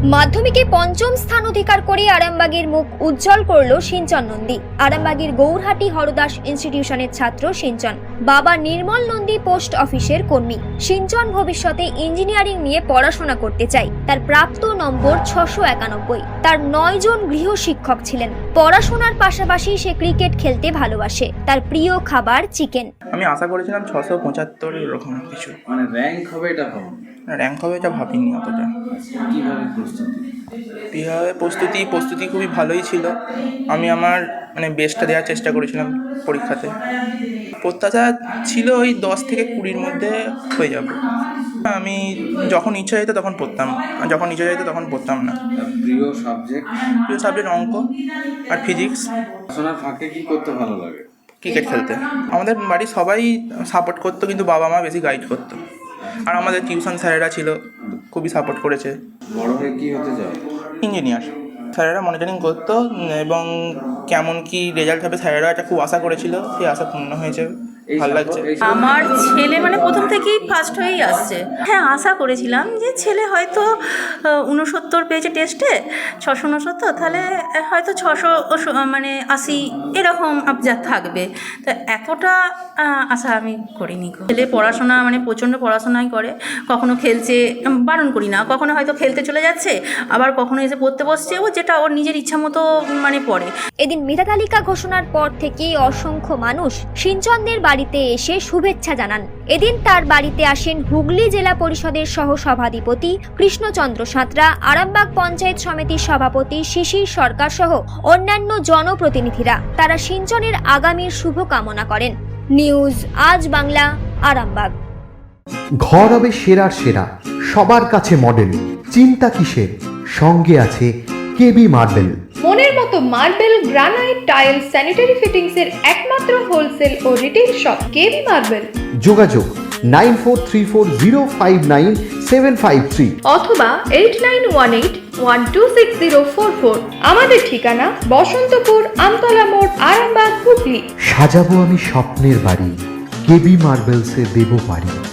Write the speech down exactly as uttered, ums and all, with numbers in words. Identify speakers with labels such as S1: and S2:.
S1: মাধ্যমিকে পঞ্চম স্থান অধিকার করে আরামবাগের মুখ উজ্জ্বল করল সিঞ্চন নন্দী। আরামবাগের গৌরহাটি হরদাস ইনস্টিটিউশনের ছাত্র সিঞ্চন। বাবা নির্মল নন্দী পোস্ট অফিসের কর্মী। সিঞ্চন ভবিষ্যতে ইঞ্জিনিয়ারিং নিয়ে পড়াশোনা করতে চায়। তার প্রাপ্ত নম্বর ছশো একানব্বই। তার নয় জন গৃহ শিক্ষক ছিলেন। পড়াশোনার পাশাপাশি সে ক্রিকেট খেলতে ভালোবাসে। তার প্রিয় খাবার চিকেন।
S2: আমি আশা করেছিলাম ছশো পঁচাত্তর এরকম কিছু,
S3: মানে র্যাঙ্ক হবে এটা ভাবো
S2: র্যাঙ্ক হবে এটা ভাবিনি অতটা।
S3: কিভাবে প্রস্তুতি
S2: কীভাবে প্রস্তুতি প্রস্তুতি খুবই ভালোই ছিল। আমি আমার মানে বেস্টটা দেওয়ার চেষ্টা করেছিলাম পরীক্ষাতে। প্রত্যাশা ছিল ওই দশ থেকে কুড়ির মধ্যে হয়ে যাবে। আমি যখন ইচ্ছা যেত তখন পড়তাম, আর যখন ইচ্ছা যেত তখন পড়তাম না।
S3: প্রিয় সাবজেক্ট
S2: প্রিয় সাবজেক্ট অঙ্ক আর ফিজিক্স।
S3: পড়াশোনার ফাঁকে কি করতে ভালো লাগে?
S2: ক্রিকেট খেলতে। আমাদের বাড়ির সবাই সাপোর্ট করতো, কিন্তু বাবা মা বেশি গাইড করতো। আর আমাদের টিউশন স্যারেরা ছিল, খুবই সাপোর্ট করেছে।
S3: বড় হয়ে কি হতে চাও?
S2: ইঞ্জিনিয়ার। স্যারেরা মনিটরিং করতো এবং কেমন কি রেজাল্ট হবে স্যারেরা এটা খুব আশা করেছিল, সেই আশা পূর্ণ হয়েছে। ভালো লাগছে।
S4: আমার ছেলে মানে প্রথম থেকেই ফার্স্ট হয়েই আসছে। হ্যাঁ, আশা করেছিলাম যে ছেলে হয়তো উনসত্তর পেয়েছে টেস্টে, ছশো উনসত্তর, তাহলে হয়তো ছশো মানে আশি এরকম যা থাকবে। তো এতটা আশা আমি করিনি। ছেলে পড়াশোনা মানে প্রচণ্ড পড়াশোনাই করে, কখনো খেলছে, বারণ করি না, কখনো হয়তো খেলতে চলে যাচ্ছে, আবার কখনো এসে পড়তে বসছে, ও যেটা ওর নিজের ইচ্ছা মতো মানে পড়ে।
S1: এদিন মেধা তালিকা ঘোষণার পর থেকেই অসংখ্য মানুষ সিঞ্চনদের বাড়িতে এসে শুভেচ্ছা জানান। এদিন তার বাড়িতে আসেন হুগলি জেলা পরিষদের সহ সভাধিপতি কৃষ্ণচন্দ্র সাঁতরা, আরামবাগ পঞ্চায়েত সমিতির সভাপতি শিশির সরকার সহ অন্যান্য জনপ্রতিনিধিরা। তারা সিঞ্চনের আগামীর শুভ কামনা করেন। নিউজ আজ বাংলা, আরামবাগ।
S5: ঘর হবে সেরার সেরা, সবার কাছে মডেল। চিন্তা কিসের? সঙ্গে আছে কেবি মার্বেল।
S6: মনের মতো marble, granite, tile, sanitary fittings এর একমাত্র হোলসেল ও রিটেল শপ কেবি মার্বেল।
S5: যোগাযোগ nine four three four zero five nine seven five three
S6: অথবা eight nine one eight one two six zero four four. আমাদের ঠিকানা বসন্তপুর, আমতলা মোড়, আরামবাগ, হুগলি।
S5: সাজাবো আমি স্বপ্নের বাড়ি, কেবি মার্বেলসে দেবো বাড়ি।